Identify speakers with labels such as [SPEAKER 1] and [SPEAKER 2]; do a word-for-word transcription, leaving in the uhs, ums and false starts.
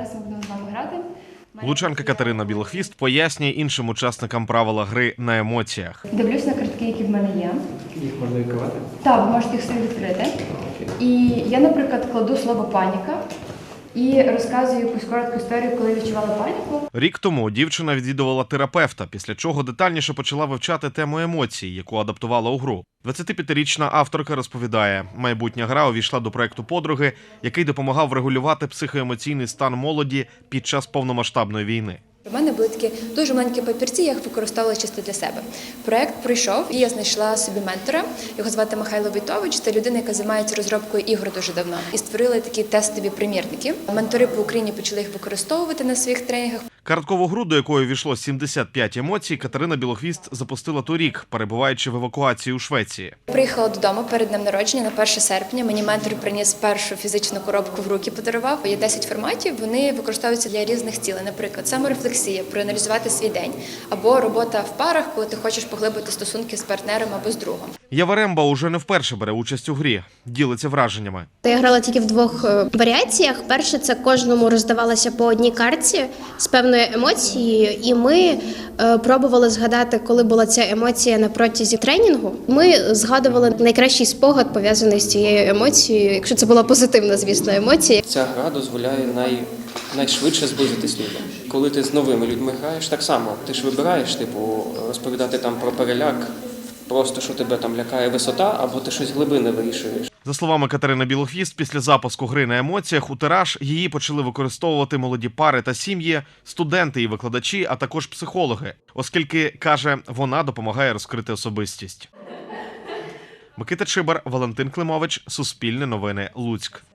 [SPEAKER 1] зараз ми будемо з вами грати.
[SPEAKER 2] Лучанка Катерина Білохвіст пояснює іншим учасникам правила гри на емоціях.
[SPEAKER 1] Дивлюсь на картки, які в мене є.
[SPEAKER 3] Їх можна відкривати?
[SPEAKER 1] Так, ви можете їх собі відкрити. І я, наприклад, кладу слово «паніка» і розказую якусь коротку історію, коли відчувала паніку.
[SPEAKER 2] Рік тому дівчина відвідувала терапевта, після чого детальніше почала вивчати тему емоцій, яку адаптувала у гру. двадцятип'ятирічна авторка розповідає, майбутня гра увійшла до проєкту подруги, який допомагав врегулювати психоемоційний стан молоді під час повномасштабної війни.
[SPEAKER 4] У мене були такі дуже маленькі папірці, я їх використовувала чисто для себе. Проєкт пройшов, і я знайшла собі ментора. Його звати Михайло Войтович. Це людина, яка займається розробкою ігор дуже давно. І створили такі тестові примірники. Ментори по Україні почали їх використовувати на своїх тренінгах.
[SPEAKER 2] Карткову гру, до якої війшло сімдесят п'ять емоцій, Катерина Білохвіст запустила торік, перебуваючи в евакуації у Швеції.
[SPEAKER 4] Приїхала додому перед днем народження на перше серпня. Мені ментор приніс першу фізичну коробку в руки, подарував. Є десять форматів, вони використовуються для різних цілей. Наприклад, саморефлексія, проаналізувати свій день, або робота в парах, коли ти хочеш поглибити стосунки з партнером або з другом.
[SPEAKER 2] Ява Ремба уже не вперше бере участь у грі, ділиться враженнями.
[SPEAKER 5] Я грала тільки в двох варіаціях. Перше, це кожному роздавалося по одній картці з певною емоцією, і ми е, пробували згадати, коли була ця емоція на протязі тренінгу. Ми згадували найкращий спогад, пов'язаний з цією емоцією, якщо це була позитивна, звісно, емоція.
[SPEAKER 3] Ця гра дозволяє най... найшвидше зблизитись людям. Коли ти з новими людьми граєш, так само. Ти ж вибираєш, типу, розповідати там про переляк, просто що тебе там лякає висота, або ти щось глибини вирішуєш.
[SPEAKER 2] За словами Катерини Білохвіст, після запуску гри на емоціях у тираж її почали використовувати молоді пари та сім'ї, студенти і викладачі, а також психологи, оскільки, каже, вона допомагає розкрити особистість. Микита Чибар, Валентин Климович, Суспільне новини, Луцьк.